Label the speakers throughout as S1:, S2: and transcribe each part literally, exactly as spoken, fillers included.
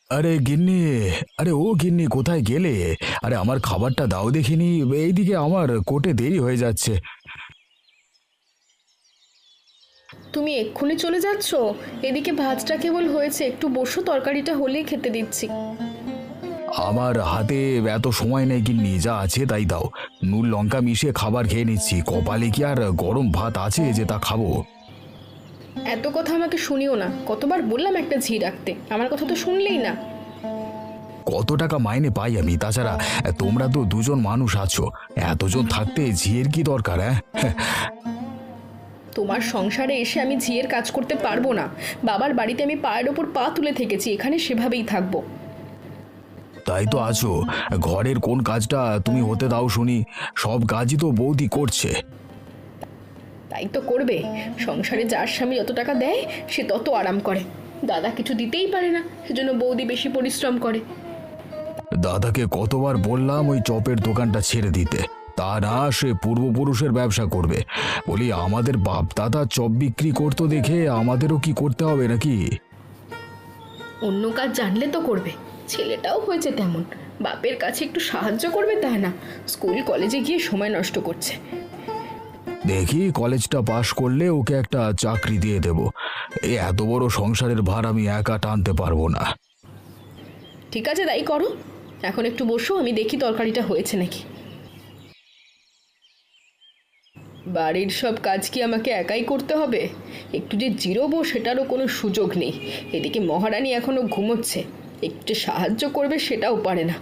S1: আরে গিন্নি, আরে ও গিন্নি কোথায় গেলে? আরে আমার খাবারটা দাও দেখিনি। এইদিকে আমার কোর্টে দেরি হয়ে যাচ্ছে।
S2: তুমি এক্ষুনি চলে যাচ্ছ? এদিকে ভাতটা কেবল হয়েছে, একটু বসো, তরকারিটা হলেই খেতে দিচ্ছি।
S1: আমার হাতে এত সময় নেই গিন্নি, যা আছে তাই দাও। নুন লঙ্কা মিশিয়ে খাবার খেয়ে নিচ্ছি, কপালে কি আর গরম ভাত আছে যে তা খাবো?
S2: এত কথা আমাকে শুনিও না, কতবার বললাম একটা ঝি রাখতে, আমার কথা তো শুনলেই না।
S1: কত টাকা মাইনে পাই আমি? তাছাড়া তোমরা তো দুজন মানুষ আছো, এতজন থাকতে ঝিয়ের কি দরকার? হ্যাঁ,
S2: তোমার সংসারে এসে আমি ঝিয়ের কাজ করতে পারবো না। বাবার বাড়িতে আমি পায়ের ওপর পা তুলে থেকেছি, এখানে সেভাবেই থাকবো।
S1: তাই তো আছো। ঘরের কোন কাজটা তুমি হতে দাও শুনি? সব কাজই তো বৌদি করছে।
S2: তাই তো করবে। সংসারে যার স্বামী যত টাকা দেয় সে তত আরাম করে। দাদা কিছু দিতেই পারে না, সেজন্য বৌদি বেশি পরিশ্রম করে।
S1: দাদাকে কতবার বললাম ওই চপের দোকানটা ছেড়ে দিতে, তা না, সে পূর্বপুরুষের ব্যবসা করবে। বলি আমাদের বাপ দাদা চপ বিক্রি করতো দেখে আমাদেরও কি করতে হবে নাকি?
S2: অন্য কাজ জানলে তো করবে। ছেলেটাও হয়েছে তেমন, বাপের কাছে একটু সাহায্য করবে তা না, স্কুল কলেজে গিয়ে সময় নষ্ট করছে।
S1: দেখি কলেজটা পাশ করলে ওকে একটা চাকরি দিয়ে দেব। এই এত বড় সংসারের ভার আমি একা টানতে পারবো না।
S2: ঠিক আছে, তাই করো। এখন একটু বসো, আমি দেখি তরকারিটা হয়েছে নাকি। বাড়ির সব কাজ কি আমাকে একাই করতে হবে? একটু যে জিরোবো সেটারও কোনো সুযোগ নেই। এদিকে মহারানী এখনো ঘুমোচ্ছে, একটু সাহায্য করবে সেটাও পারে না।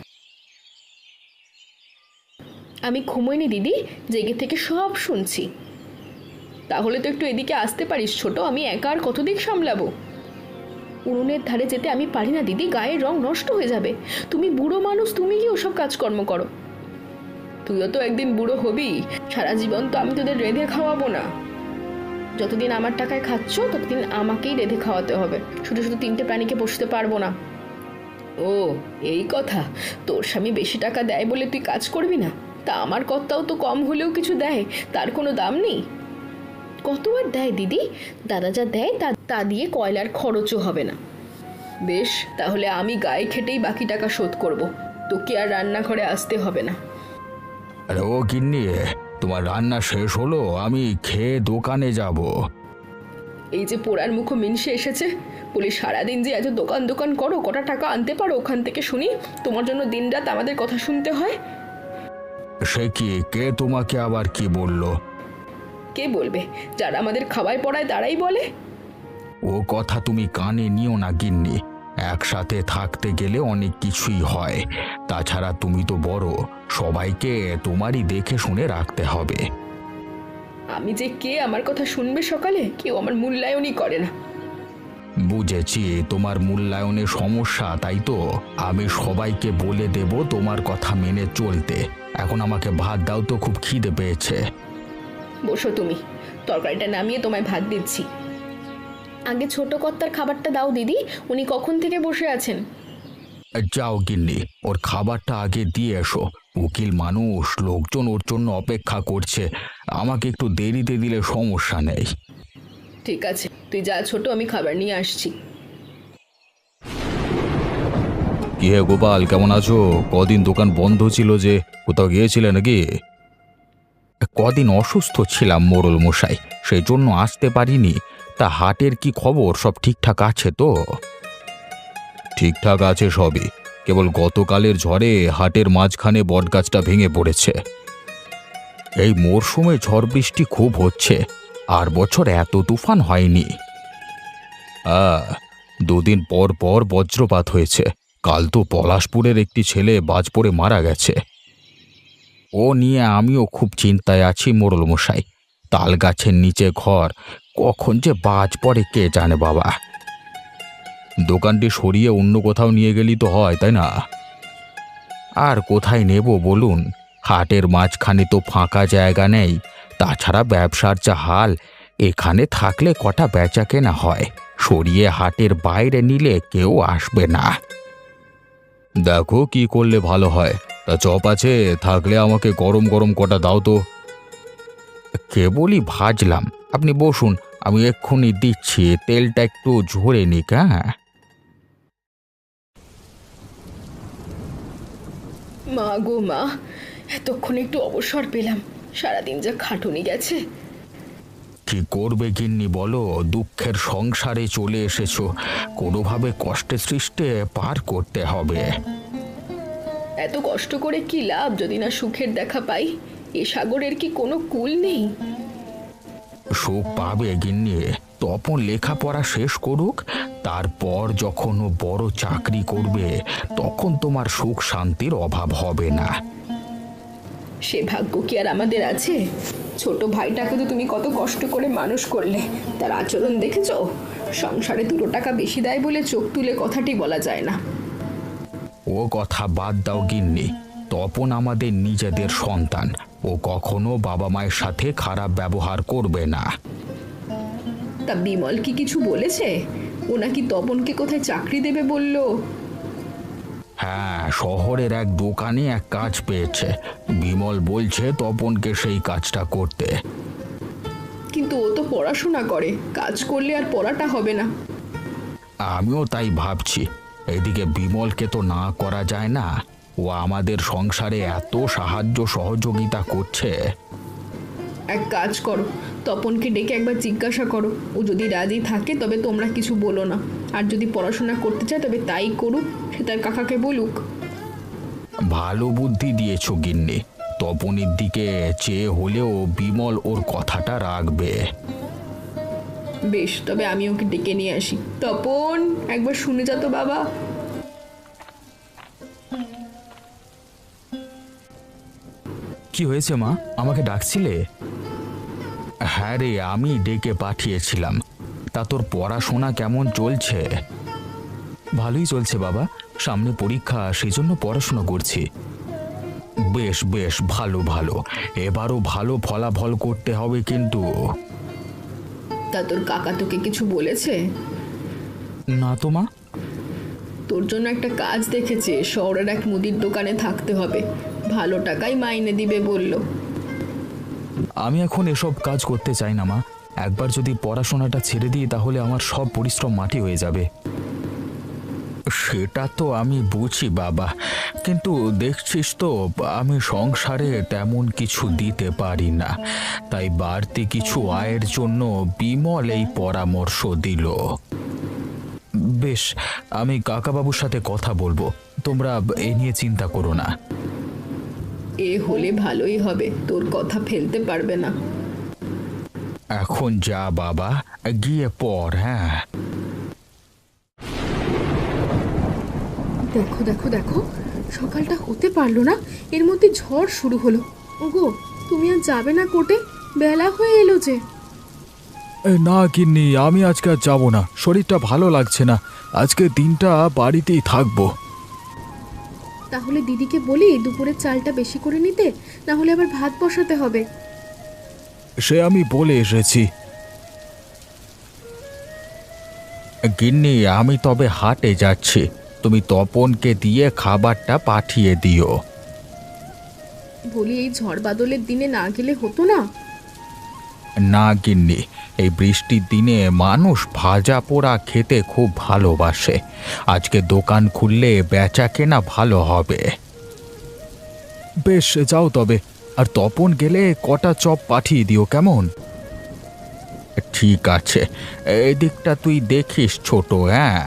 S2: আমি ঘুমোইনি দিদি, জেগে থেকে সব শুনছি। তাহলে তো একটু এদিকে আসতে পারিস ছোট, আমি একা আর কতদিন সামলাবো? উনুনের ধারে যেতে আমি পারি না দিদি, গায়ের রং নষ্ট হয়ে যাবে। তুমি বুড়ো মানুষ, তুমি কি ওসব কাজকর্ম করো? তুইও তো একদিন বুড়ো হবি, সারা জীবন তো আমি তোদের রেঁধে খাওয়াবো না। যতদিন আমার টাকায় খাচ্ছ ততদিন আমাকেই রেঁধে খাওয়াতে হবে, শুধু শুধু তিনটে প্রাণীকে বসতে পারবো না। ও, এই কথা। তোর স্বামী বেশি টাকা দেয় বলে তুই কাজ করবি না? তা আমার কর্তাও তো কম হলেও কিছু দেয়, তার কোনো দাম নেই। কত আর দেয় দিদি? দাদা যা দেয় তা তা দিয়ে কয়লার খরচও হবে না। বেশ, তাহলে আমি গায়ে খেটেই বাকি টাকা শোধ করব, তোকে আর রান্নাঘরে আসতে হবে না।
S1: আরে ও গিন্নি, তোমার রান্না শেষ হলো? আমি খেয়ে দোকানে যাব।
S2: এই যে পোড়ার মুখো মিনসে এসেছে, বলি সারাদিন যে এত দোকান দোকান করো, কটা টাকা আনতে পারো ওখান থেকে শুনি? তোমার জন্য দিনরাত আমাদের কথা শুনতে হয়।
S1: সে কি, কে তোমাকে আবার কি বলল?
S2: কে বলবে? যারা আমাদের খাওয়ায় পড়ায় তারাই বলে।
S1: ও কথা তুমি কানে নিও না গিন্নি। একসাথে থাকতে গেলে অনেক কিছুই হয়। তাছাড়া তুমি তো বড়, সবাইকে তোমারই দেখে শুনে রাখতে হবে।
S2: আমি যে কে আমার কথা শুনবে সকালে, কেউ আমার মূল্যায়নই করে না।
S1: বুঝেছি তোমার মূল্যায়নের সমস্যা, তাই তো। আমি সবাইকে বলে দেব তোমার কথা মেনে চলতে। এখন আমাকে ভাত দাও তো, খুব খিদে পেয়েছে।
S2: বসো তুমি, তরকারিটা নামিয়ে তোমায় ভাত দিচ্ছি। আগে ছোট কর্তার খাবারটা দাও দিদি, উনি কখন থেকে বসে আছেন।
S1: যাও গিন্নি, ওর খাবারটা আগে দিয়ে এসো। উকিল মানুষ, লোকজন ওর জন্য অপেক্ষা করছে। আমাকে একটু দেরিতে দিলে সমস্যা নেই।
S2: ঠিক আছে, তুই যা ছোট, আমি খাবার নিয়ে আসছি।
S1: কি হে গোপাল, কেমন আছো? কদিন দোকান বন্ধ ছিল যে, কোথাও গিয়েছিলে নাকি? কদিন অসুস্থ ছিলাম মোড়ল মশাই, সেই জন্য আসতে পারিনি। তা হাটের কি খবর? সব ঠিকঠাক আছে তো? ঠিকঠাক আছে সবই। কেবল গতকালের ঝড়ে হাটের মাঝখানে বটগাছটা ভেঙে পড়েছে। এই মরশুমে ঝড় বৃষ্টি খুব হচ্ছে, আর বছর এত তুফান হয়নি। আহ দুদিন পর পর বজ্রপাত হয়েছে। কাল তো পলাশপুরের একটি ছেলে বাজ পড়ে মারা গেছে। ও নিয়ে আমিও খুব চিন্তায় আছি মোড়ল মশাই। তাল গাছের নিচে ঘর, কখন যে বাজ পড়ে কে জানে বাবা। দোকানটি সরিয়ে অন্য কোথাও নিয়ে গেলি তো হয়, তাই না? আর কোথায় নেব বলুন? হাটের মাঝখানে তো ফাঁকা জায়গা নেই। তাছাড়া ব্যবসার যা হাল, এখানে থাকলে কটা বেচা কেনা হয়, সরিয়ে হাটের বাইরে নিলে কেউ আসবে না। দেখো কি করলে ভালো হয়। তা চপ আছে? থাকলে আমাকে গরম গরম কটা দাও তো। কেবলই ভাজলাম, আপনি বসুন, আমি এক্ষুনি দিচ্ছি। তেলটা একটু ঝরে নিক। হ্যাঁ।
S2: মা গো মা, এতক্ষণ একটু অবসর পেলাম, সারাদিন যা খাটুনি গেছে।
S1: কি করবে গিন্নি বলো, দুঃখের সংসারে চলে এসেছো, কোনোভাবে কষ্টে সৃষ্টে পার করতে হবে।
S2: এত কষ্ট করে কি লাভ যদি না সুখের দেখা পাই? এ সাগরের কি কোনো কূল নেই?
S1: সুখ পাবে গিন্নি, তপন লেখাপড়া শেষ করুক, তারপর যখন ও বড় চাকরি করবে তখন তোমার সুখ শান্তির অভাব হবে না।
S2: সে ভাগ্য কি আর আমাদের আছে? ছোট ভাইটাকে তো তুমি কত কষ্ট করে মানুষ করলে, তার আচরণ দেখেছো? সংসারে দুটো টাকা বেশি দেয় বলে চোখ তুলে কথাটি বলা যায় না।
S1: ও কথা বাদ দাও গিন্নি, তপন আমাদের নিজেদের সন্তান, ও কখনো বাবা মায়ের সাথে খারাপ ব্যবহার করবে না।
S2: তা বিমল কি কিছু বলেছে? ও নাকি তপনকে কোথায় চাকরি দেবে বললো?
S1: হ্যাঁ, শহরের এক দোকানে এক কাজ পেয়েছে, বিমল বলছে তপনকে সেই কাজটা করতে।
S2: কিন্তু ও তো পড়াশোনা করে, কাজ করলে আর পড়াটা হবে না।
S1: আমিও তাই ভাবছি, এদিকে বিমলকে তো না করা যায় না, ও আমাদের সংসারে এত সাহায্য সহযোগিতা করছে।
S2: এক কাজ করো, তপনকে ডেকে একবার জিজ্ঞাসা করো, ও যদি রাজি থাকে তবে তোমরা কিছু বলো না, আর যদি পড়াশোনা করতে চায় তবে তাই করুক, সে তার কাকাকে বলুক।
S1: ভালো বুদ্ধি দিয়েছ গিন্নি, তপনের দিকে চেয়ে হলেও বিমল ওর কথাটা রাখবে।
S2: বেশ, তবে আমি ওকে ডেকে নিয়ে আসি। তপন, একবার শুনে যা তো বাবা।
S1: কি হয়েছে মা, আমাকে ডাকছিলে? হ্যাঁ রে, আমি ডেকে পাঠিয়েছিলাম। তা তোর পড়াশোনা কেমন চলছে? ভালোই চলছে বাবা, সামনে পরীক্ষা, সেই জন্য পড়াশোনা করছি। বেশ বেশ, ভালো ভালো, এবারও ভালো ফলাফল করতে হবে কিন্তু।
S2: তা তোর কাকা তোকে কিছু বলেছে?
S1: না তো মা।
S2: তোর জন্য একটা কাজ দেখেছে, শহরের এক মুদির দোকানে থাকতে হবে, ভালো টাকাই মাইনে দিবে বলল।
S1: আমি এখন এসব কাজ করতে চাই না মা, একবার যদি পড়াশোনাটা ছেড়ে দিই তাহলে আমার সব পরিশ্রম মাটি হয়ে যাবে। সেটা তো আমি বুঝি বাবা, কিন্তু দেখছিস তো আমি সংসারে তেমন কিছু দিতে পারি না, তাই বাড়তি কিছু আয়ের জন্য বিমল এই পরামর্শ দিল। বেশ, আমি কাকাবাবুর সাথে কথা বলবো, তোমরা এ নিয়ে চিন্তা করো না।
S2: এ হলে ভালোই হবে, তোর কথা ফেলতে পারবে না।
S1: এখন যা বাবা, গিয়ে পড়। হ্যাঁ,
S2: দেখো দেখো দেখো, সকালটা হতে পারলো না, এর মধ্যে ঝড় শুরু হলো। ওগো, তুমি আর যাবে না কোর্টে? বেলা হয়ে এলো যে।
S1: না গিন্নি, আমি আজকে আর যাবো না, শরীরটা ভালো লাগছে না, আজকে দিনটা বাড়িতেই থাকবো।
S2: তাহলে দিদিকে বলি দুপুরের চালটা বেশি করে নিতে, না হলে আবার ভাত বসাতে হবে।
S1: সে আমি বলে এসেছি। গিন্নি, আমি তবে হাটে যাচ্ছি, তুমি তপনকে দিয়ে খাবারটা পাঠিয়ে দিও।
S2: বলি এই ঝড় বাদলের দিনে না গেলে হতো না?
S1: না গিন্নি, এই বৃষ্টির দিনে মানুষ ভাজা পোড়া খেতে খুব ভালোবাসে, আজকে দোকান খুললে বেচা কেনা ভালো হবে। বেশ, যাও তবে, আর তপন গেলে কটা চপ পাঠিয়ে দিও কেমন? ঠিক আছে, এদিকটা তুই দেখিস ছোট। হ্যাঁ,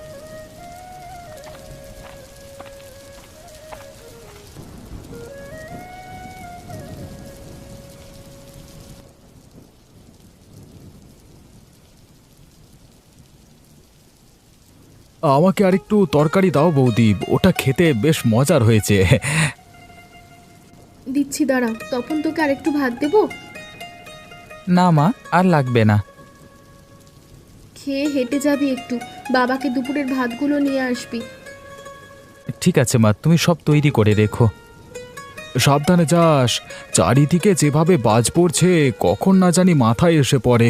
S1: আমাকে আরেকটু তরকারি দাও বৌদি, ওটা খেতে বেশ মজার হয়েছে।
S2: দিচ্ছি, দাঁড়াও। তখন তোকে আরেকটু ভাত দেবো?
S1: না মা, আর লাগবে না।
S2: খেয়ে হেঁটে যাবি একটু, বাবাকে দুপুরের ভাতগুলো নিয়ে আসবি।
S1: ঠিক আছে মা, তুমি সব তৈরি করে রেখো। সাবধানে যাস, চারিদিকে যেভাবে বাজ পড়ছে কখন না জানি মাথায় এসে পড়ে।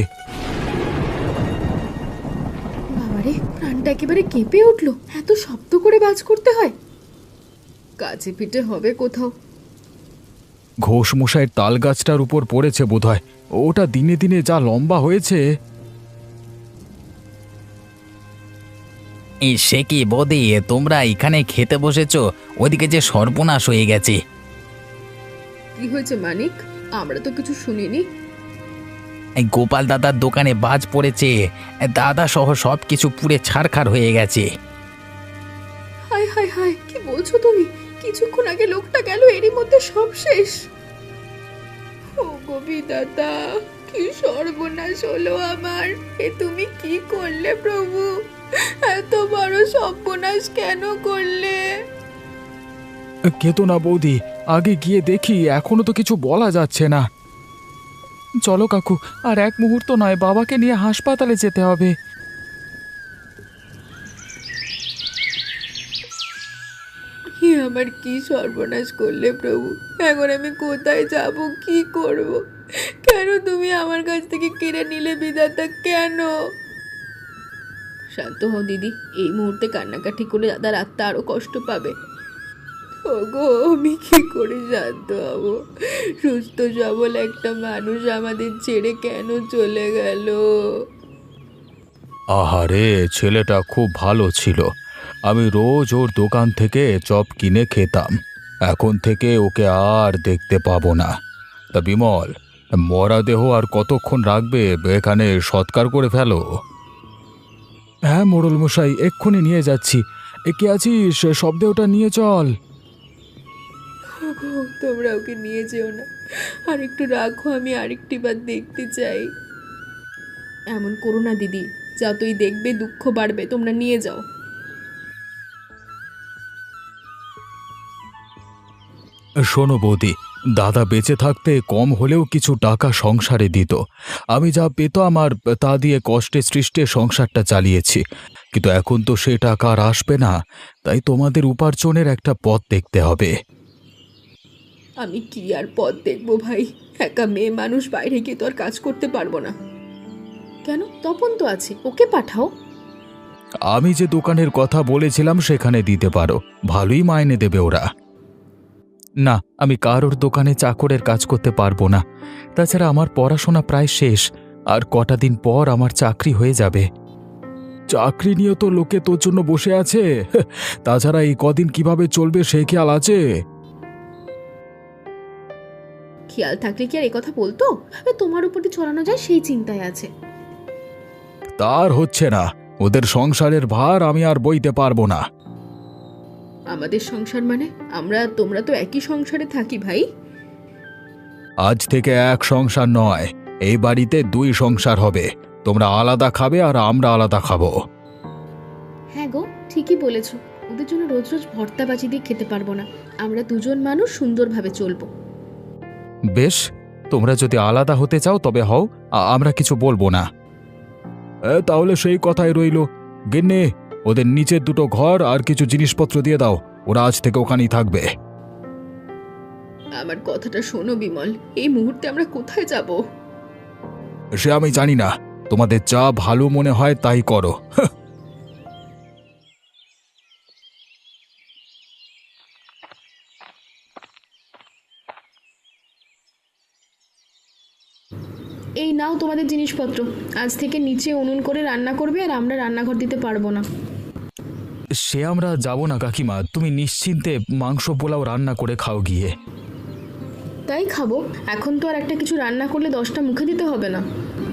S2: বাবারে, প্রাণটা একেবারে কেঁপে উঠলো, এত শব্দ করে বাজ করতে হয়? কাছে পিঠে হবে কোথাও।
S1: ঘোষ মশাইয়ের তাল গাছটার উপর পড়েছে বোধহয়, ওটা দিনে দিনে যা লম্বা হয়েছে।
S3: এই সে কি বৌদি, তোমরা এখানে খেতে বসেছো? ওদিকে যে সর্বনাশ হয়ে গেছে।
S2: কি হয়েছে মানিক? আমরা তো কিছু শুনিনি।
S3: এই গোপাল দাদার দোকানে বাজ পড়েছে, দাদা সহ সব কিছু পুড়ে ছারখার হয়ে গেছে।
S2: হায় হায় হায়, কি বলছো তুমি? কিছুক্ষণ আগে লোকটা গেল, এরই মধ্যে সব শেষ। ও গোবি দাদা, কি সর্বনাশ হলো আমার! এ তুমি কি করলে প্রভু? এত বড় সর্বনাশ কেন করলে?
S1: কেতো না বৌদি, আগে গিয়ে দেখি, এখনো তো কিছু বলা যাচ্ছে না। চলো কাকু, আর এক মুহূর্ত নয়, বাবাকে নিয়ে হাসপাতালে যেতে হবে।
S2: হে আমার, কি সর্বনাশ করলে প্রভু! এখন আমি কোথায় যাব, কি করব? কেন তুমি আমার কাছ থেকে কেড়ে নিলে বিধাতা, কেন? শান্ত হও দিদি, এই মুহূর্তে কান্নাকাটি করে দাদার আত্মা আরো কষ্ট পাবে। ওগো, আমি কি করে শান্ত হব? সুস্থ সবল একটা মানুষ আমাদের ছেড়ে কেন চলে গেল?
S1: আহারে, ছেলেটা খুব ভালো ছিল। আমি রোজ ওর দোকান থেকে চপ কিনে খেতাম। এখন থেকে ওকে আর দেখতে পাবো না। তা বিমল, মরা দেহ আর কতক্ষণ রাখবে? এখানে সৎকার করে ফেলো। হ্যাঁ মোড়ল মশাই, এক্ষুনি নিয়ে যাচ্ছি। এ কে আছিস? শব্দটা নিয়ে চল।
S2: ওগো, তোমরা ওকে নিয়ে যেও না, আর একটু রাখো, আমি আরেকটি বার দেখতে চাই। এমন করো না দিদি, যতই দেখবে দুঃখ বাড়বে, তোমরা নিয়ে যাও।
S1: শোনো বৌদি, দাদা বেঁচে থাকতে কম হলেও কিছু টাকা সংসারে দিত। আমি যা পেতাম আর তা দিয়ে কষ্টে সৃষ্টে সংসারটা চালিয়েছি, কিন্তু এখন তো সে টাকা আর আসবে না। তাই তোমাদের উপার্জনের একটা পথ দেখতে হবে।
S2: আমি কি আর পথ দেখবো ভাই? একা মেয়ে মানুষ, বাইরে গিয়ে তো আর কাজ করতে পারবো না। কেন, তপন তো আছে, ওকে পাঠাও।
S1: আমি যে দোকানের কথা বলেছিলাম সেখানে দিতে পারো, ভালোই মাইনে দেবে ওরা। না, আমি কারোর দোকানে চাকরের কাজ করতে পারবো না। তাছাড়া আমার পড়াশোনা প্রায় শেষ, আর কটা দিন পর আমার চাকরি হয়ে যাবে। চাকরি নিয়ে তো লোকে তোর জন্য বসে আছে। তাছাড়া এই কদিন কিভাবে চলবে সে খেয়াল আছে?
S2: খেয়াল থাকলে কি আর এই কথা বলতো? তোমার উপর দিয়ে চড়ানো যায় সেই চিন্তায় আছে।
S1: তার হচ্ছে না, ওদের সংসারের ভার আমি আর বইতে পারবো না।
S2: আমাদের সংসার মানে? আমরা তোমরা তো একই সংসারে থাকি ভাই।
S1: আজ থেকে এক সংসার নয়, এই বাড়িতে দুই সংসার হবে। তোমরা আলাদা খাবে আর আমরা আলাদা খাবো।
S2: হ্যাঁ গো, ঠিকই বলেছো। ওদের জন্য রোজ রোজ ভর্তা বাজি দিয়ে খেতে পারবো না। আমরা দুজন মানুষ সুন্দরভাবে চলবো।
S1: বেশ, তোমরা যদি আলাদা হতে চাও তবে হও, আ- আমরা কিছু বলবো না। এ, তাহলে সেই কথাই রইল। গিন্নি, ওদের নিচের দুটো ঘর আর কিছু জিনিসপত্র দিয়ে দাও, ওরা আজ থেকে ওখানেই থাকবে।
S2: আমার কথাটা শোনো বিমল, এই মুহূর্তে আমরা কোথায় যাব?
S1: সে আমি জানি না, তোমাদের যা ভালো মনে হয় তাই করো।
S2: এই নাও তোমাদের জিনিসপত্র। আজ থেকে নিচে উনুন করে রান্না করবে, আর আমরা রান্নাঘর দিতে পারবো না।
S1: সে আমরা যাব না কাকিমা, তুমি নিশ্চিন্তে মাংস পোলাও রান্না করে খাও গিয়ে।
S2: তাই খাবো। এখন তো আর একটা কিছু রান্না করলে দশটা মুখে দিতে হবে না।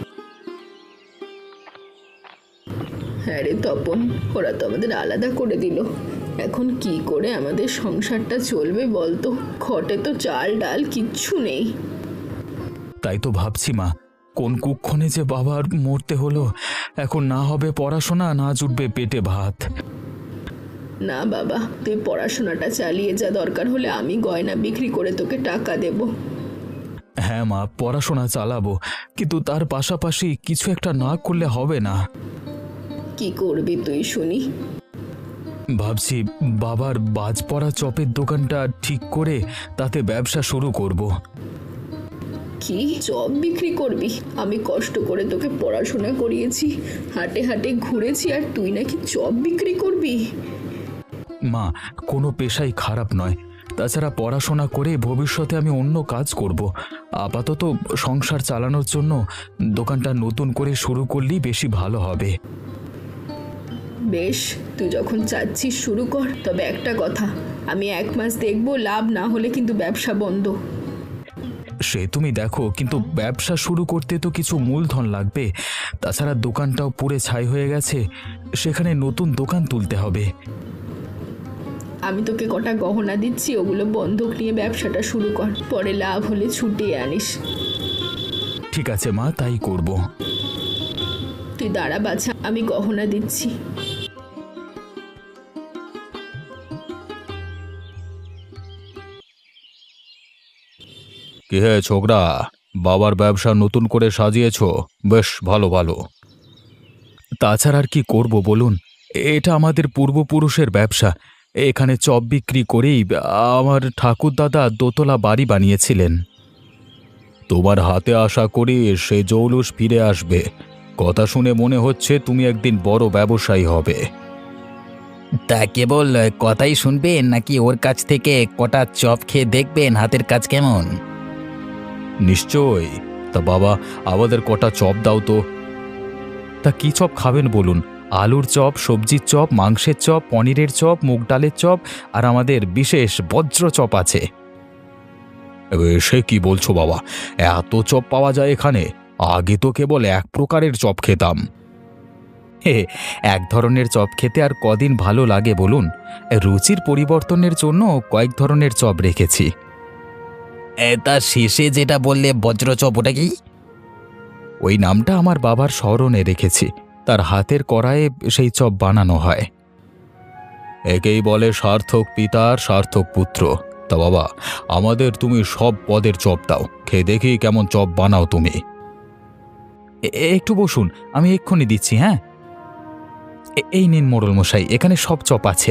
S2: হ্যাঁ রে তপন, ওরা তো আমাদের আলাদা করে দিল। এখন কি করে আমাদের সংসারটা চলবে বলতো? ঘটে তো চাল ডাল কিচ্ছু নেই।
S1: তাই তো ভাবছি মা, কোন কুক্ষণে যে বাবার মরতে হলো। এখন না হবে পড়াশোনা, না জুটবে পেটে ভাত।
S2: না বাবা, তুই পড়াশোনাটা চালিয়ে যা, দরকার হলে আমি গয়না বিক্রি করে তোকে টাকা দেব।
S1: হ্যাঁ মা, পড়াশোনা চালাবো, কিন্তু তার পাশাপাশি কিছু একটা না করলে হবে না।
S2: কি করবি তুই শুনি?
S1: ভাবছি বাবার বাজ পড়া চপের দোকানটা ঠিক করে তাতে ব্যবসা শুরু করব।
S2: কি চপ বিক্রি করবি? আমি কষ্ট করে তোকে পড়াশোনা করিয়েছি, হাটে হাটে ঘুরেছি, আর তুই নাকি চপ বিক্রি করবি?
S1: মা, কোনো পেশাই খারাপ নয়। তাছাড়া পড়াশোনা করে ভবিষ্যতে আমি অন্য কাজ করব। আপাতত সংসার চালানোর জন্য দোকানটা নতুন করে শুরু করলেই বেশি ভালো হবে।
S2: বেশ, তুই যখন চাচ্ছিস শুরু কর, তবে একটা কথা, আমি এক মাস দেখবো, লাভ না হলে কিন্তু ব্যবসা বন্ধ।
S1: সে তুমি দেখো, কিন্তু ব্যবসা শুরু করতে তো কিছু মূলধন লাগবে। তাছাড়া দোকানটাও পুড়ে ছাই হয়ে গেছে, সেখানে নতুন দোকান তুলতে হবে।
S2: আমি তোকে কটা গহনা দিচ্ছি, ওগুলো বন্ধক নিয়ে ব্যবসাটা শুরু কর, পরে লাভ হলে ছুটিয়ে আনিস।
S1: ঠিক আছে মা, তাই করব।
S2: তুই দাঁড়া বাছা, আমি গহনা দিচ্ছি।
S1: কি হে ছোকরা, বাবার ব্যবসা নতুন করে সাজিয়েছো? বেশ ভালো ভালো। তাছাড়া আর কি করব বলুন, এটা আমাদের পূর্বপুরুষের ব্যবসা। এখানে চপ বিক্রি করেই আমার ঠাকুরদাদা দোতলা বাড়ি বানিয়েছিলেন। তোমার হাতে আশা করি সে জৌলুস ফিরে আসবে। কথা শুনে মনে হচ্ছে তুমি একদিন বড় ব্যবসায়ী হবে।
S3: তা কেবল কথাই শুনবেন নাকি ওর কাছ থেকে কটা চপ খেয়ে দেখবেন হাতের কাজ কেমন?
S1: নিশ্চয়ই। তা বাবা, আমাদের কটা চপ দাও তো। তা কি চপ খাবেন বলুন? আলুর চপ, সবজির চপ, মাংসের চপ, পনিরের চপ, মুগ ডালের চপ, আর আমাদের বিশেষ বজ্র চপ আছে। সে কি বলছো বাবা, এত চপ পাওয়া যায় এখানে? আগে তো কেবল এক প্রকারের চপ খেতাম। হে, এক ধরনের চপ খেতে আর কদিন ভালো লাগে বলুন? রুচির পরিবর্তনের জন্য কয়েক ধরনের চপ রেখেছি।
S3: এ, তা শেষে যেটা বললে বজ্র চপ, ওটা কি?
S1: ওই নামটা আমার বাবার স্মরণে রেখেছি, তার হাতের কড়াইয়ে সেই চপ বানানো হয়। একেই বলে সার্থক পিতার সার্থক পুত্র। তা বাবা, আমাদের তুমি সব পদের চপ দাও, খেয়ে দেখি কেমন চপ বানাও তুমি। এ- একটু বসুন, আমি এক্ষুনি দিচ্ছি। হ্যাঁ, এ- এই নিন মোড়ল মশাই, এখানে সব চপ আছে।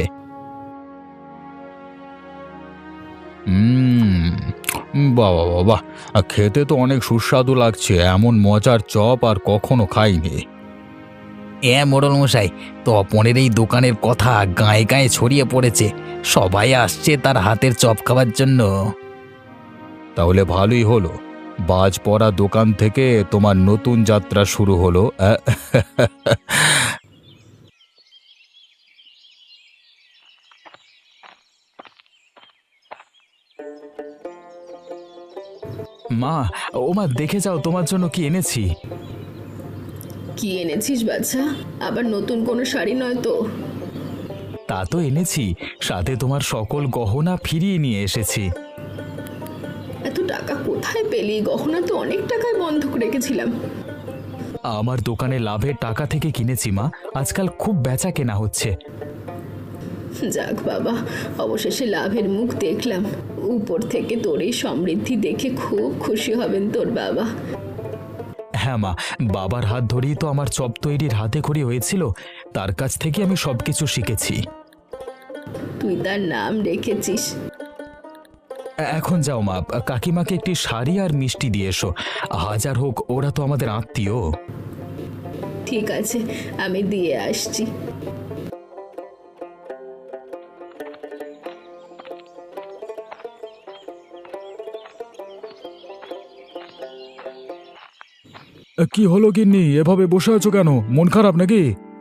S1: হুম, বাবা বাবা, খেতে তো অনেক সুস্বাদু লাগছে। এমন মজার চপ আর কখনো খাইনি।
S3: এ মোড়ল মশাই, তপনের এই দোকানের কথা গায়ে গায়ে ছড়িয়ে পড়েছে। সবাই আসছে তার হাতের চপ খাওয়ার জন্য।
S1: তাহলে ভালোই হলো, বাজ পড়া দোকান থেকে তোমার নতুন যাত্রা শুরু হলো। আহ, মা, ও মা, দেখে যাও তোমার জন্য কি এনেছি।
S2: কি এনেছিস বাছা? আবার নতুন কোনো শাড়ি নয় তো?
S1: তা তো এনেছি, সাথে তোমার সকল গহনা ফিরিয়ে নিয়ে এসেছি।
S2: এত টাকা কোথায় পেলি? গহনা তো অনেক টাকায় বন্ধক রেখেছিলাম।
S1: আমার দোকানে লাভের টাকা থেকে কিনেছি মা, আজকাল খুব বেচা কেনা হচ্ছে।
S2: যাক বাবা, অবশেষে লাভের মুখ দেখলাম। উপর থেকে তোর এই সমৃদ্ধি দেখে খুব খুশি হবেন তোর বাবা।
S1: হ্যাঁ মা, বাবার হাত ধরেই তো আমার চপ তৈরির হাতে খড়ি হয়েছিল, তার কাছ থেকে আমি সবকিছু শিখেছি।
S2: তুই তার নাম রেখেছিস।
S1: এখন যাও মা, কাকিমাকে একটি শাড়ি আর মিষ্টি দিয়ে এসো। হাজার হোক ওরা তো আমাদের আত্মীয়।
S2: ঠিক আছে, আমি দিয়ে আসছি।
S1: কি হলো গিন্নি, এভাবে বসে আছো কেন? মন খারাপ নাকি?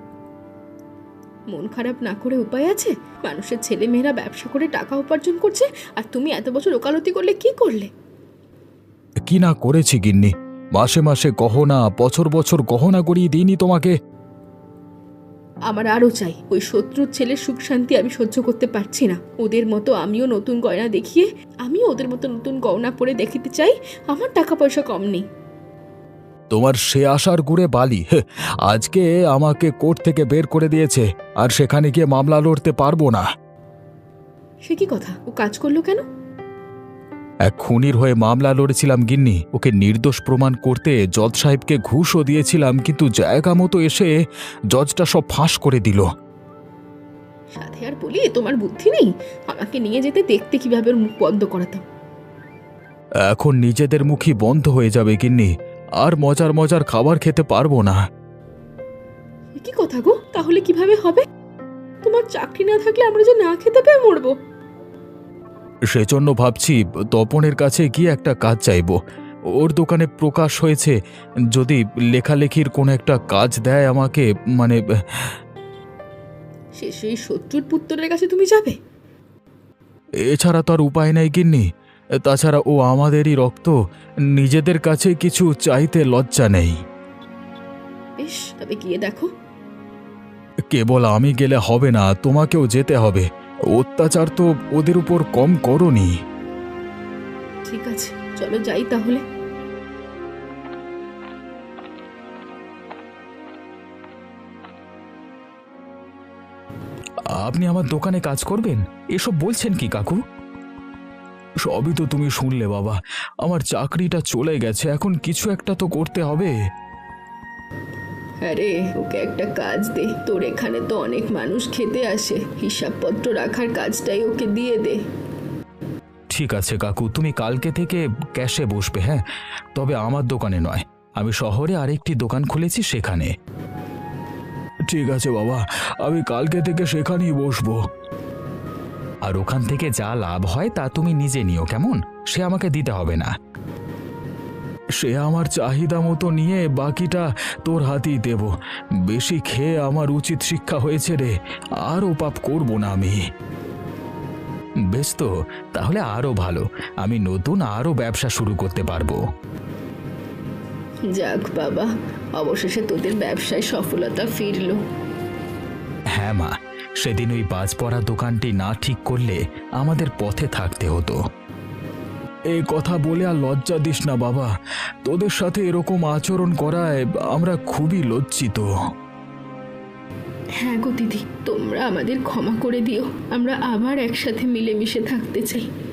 S2: মন খারাপ না করে উপায় আছে? মানুষের ছেলে মেয়েরা ব্যবসা করে টাকা উপার্জন করছে, আর তুমি এত বছর ওকালতি করলে কি করলে?
S1: কি না করেছি গিন্নি, মাসে মাসে গহনা, বছর বছর গহনা করিয়ে দিইনি তোমাকে?
S2: আমার আরও চাই। ওই শত্রুর ছেলের সুখ শান্তি আমি সহ্য করতে পারছি না। ওদের মতো আমিও নতুন গয়না দেখিয়ে, আমিও ওদের মতো নতুন গয়না পরে দেখিতে চাই। আমার টাকা পয়সা কম নেই।
S1: তোমার সে আশার গুড়ে বালি। হে, আজকে আমাকে কোর্ট থেকে বের করে দিয়েছে, আর সেখানে গিয়ে মামলা লড়তে পারবো না।
S2: সে কি কথা? ও কাজ করলো কেন?
S1: এক খুনির হয়ে মামলা লড়েছিলাম গিন্নি, ওকে নির্দোষ প্রমাণ করতে জজ সাহেবকে ঘুষও দিয়েছিলাম, কিন্তু জায়গা মতো এসে জজটা সব ফাঁস করে দিল।
S2: সাথে আর বলি, তোমার বুদ্ধি নেই? আমাকে নিয়ে যেতে, দেখতে কিভাবে ওর মুখ বন্ধ করাতাম।
S1: এখন নিজেদের মুখই বন্ধ হয়ে যাবে গিন্নি, আর মজার মজার খাবার খেতে পারবো না।
S2: এ কি কথা গো? তাহলে কিভাবে হবে? তোমার চাকরি না থাকলে আমরা যে না খেতে পেয়ে মরবো।
S1: সেজন্য ভাবছি তপনের কাছে গিয়ে একটা কাজ চাইবো। ওর দোকানে প্রকাশ হয়েছে, যদি লেখালেখির কোনো একটা কাজ দেয় আমাকে, মানে
S2: শেষে এই শত্রুর পুত্রের কাছে তুমি যাবে?
S1: এছাড়া তো আর উপায় নেই গিন্নি। তাছাড়া ও আমাদেরই রক্ত, নিজেদের কাছে কিছু চাইতে লজ্জা নেই।
S2: বেশ, তবে গিয়ে দেখো।
S1: কেবল আমি গেলে হবে না, তোমাকেও যেতে হবে। অত্যাচার তো ওদের উপর কম করনি।
S2: ঠিক আছে, চলো যাই তাহলে।
S1: আপনি আমার দোকানে কাজ করবেন, এসব বলছেন কি কাকু? সবই তো তুমি শুনলে বাবা। আমার চাকরিটা চলে গেছে, এখন কিছু একটা তো করতে হবে।
S2: আরে ওকে একটা কাজ দে, তোর এখানে তো অনেক মানুষ খেতে আসে, হিসাবপত্র রাখার কাজটাই ওকে দিয়ে দে।
S1: ঠিক আছে কাকু, তুমি কালকে থেকে ক্যাশে বসবে। হ্যাঁ, তবে আমার দোকানে নয়, আমি শহরে আরেকটি দোকান খুলেছি সেখানে। ঠিক আছে বাবা, আমি কালকে থেকে সেখানেই বসবো। আর ওখান থেকে যা লাভ হয় তা তুমি নিজে নিও, কেমন? সে আমাকে দিতে হবে না। সে আমার চাহিদা মতো নিয়ে বাকিটা তোর হাতেই দেব। বেশি খেয়ে আমার উচিত শিক্ষা হয়েছে রে, আরও পাপ করব না আমি। বেশ, তো তাহলে আরও ভালো, আমি নতুন আরও ব্যবসা শুরু করতে পারবো।
S2: যাক বাবা, অবশেষে তোদের ব্যবসায় সফলতা ফিরলো।
S1: হ্যাঁ মা, সেদিন ওই বাজ পড়া দোকানটি না ঠিক করলে আমাদের পথে থাকতে হতো। এই কথা বলে আর লজ্জা দিস না বাবা, তোদের সাথে এরকম আচরণ করায় আমরা খুবই লজ্জিত।
S2: হ্যাঁ গো দিদি, তোমরা আমাদের ক্ষমা করে দিও, আমরা আবার একসাথে মিলেমিশে থাকতে চাই।